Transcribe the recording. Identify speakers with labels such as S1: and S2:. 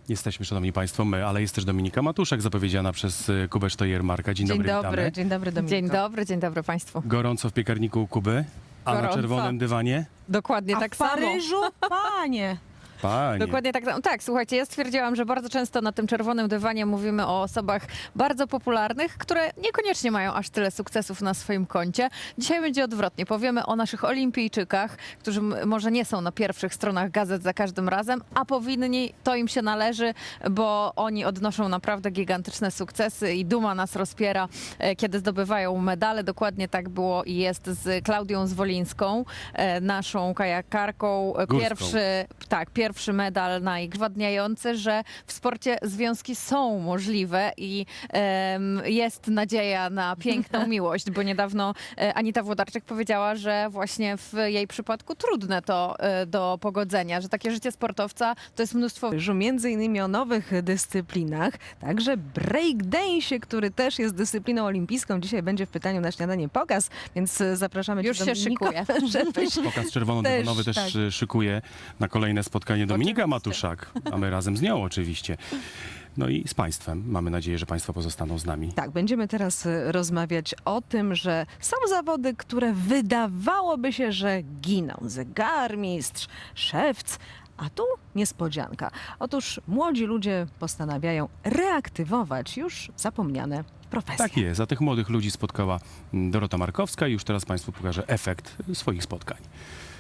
S1: Jesteśmy, szanowni państwo, my, ale jest też Dominika Matuszak, zapowiedziana przez Kubę Sztojer-Marka. Dzień dobry, witamy.
S2: Dzień dobry Dominiko.
S3: Dzień dobry Państwu.
S1: Gorąco w piekarniku u Kuby, a na
S3: Gorąco.
S1: czerwonym dywanie?
S3: Dokładnie
S2: A
S3: tak
S2: w
S3: samo.
S2: Paryżu? Panie!
S1: Panie.
S3: Dokładnie tak samo. Tak, słuchajcie, ja stwierdziłam, że bardzo często na tym czerwonym dywanie mówimy o osobach bardzo popularnych, które niekoniecznie mają aż tyle sukcesów na swoim koncie. Dzisiaj będzie odwrotnie. Powiemy o naszych olimpijczykach, którzy może nie są na pierwszych stronach gazet za każdym razem, a powinni, to im się należy, bo oni odnoszą naprawdę gigantyczne sukcesy i duma nas rozpiera, kiedy zdobywają medale. Dokładnie tak było i jest z Klaudią Zwolińską, naszą kajakarką.
S1: Górską.
S3: Pierwszy medal najgwadniający, że w sporcie związki są możliwe i jest nadzieja na piękną miłość, bo niedawno Anita Włodarczyk powiedziała, że właśnie w jej przypadku trudne to do pogodzenia, że takie życie sportowca to jest mnóstwo...
S2: Między innymi o nowych dyscyplinach, także breakdance'ie, który też jest dyscypliną olimpijską. Dzisiaj będzie w pytaniu na śniadanie pokaz, więc zapraszamy
S3: Już
S2: cię,
S3: się
S2: Dominiko,
S3: szykuje.
S2: żebyś
S1: Pokaz czerwono-dywonowy też
S2: tak.
S1: szykuje na kolejne spotkanie Dominika
S3: Oczywiście.
S1: Matuszak, a my razem z nią oczywiście. No i z państwem. Mamy nadzieję, że państwo pozostaną z nami.
S2: Tak, będziemy teraz rozmawiać o tym, że są zawody, które wydawałoby się, że giną. Zegarmistrz, szewc, a tu niespodzianka. Otóż młodzi ludzie postanawiają reaktywować już zapomniane profesje.
S1: Tak jest. A tych młodych ludzi spotkała Dorota Markowska i już teraz państwu pokażę efekt swoich spotkań.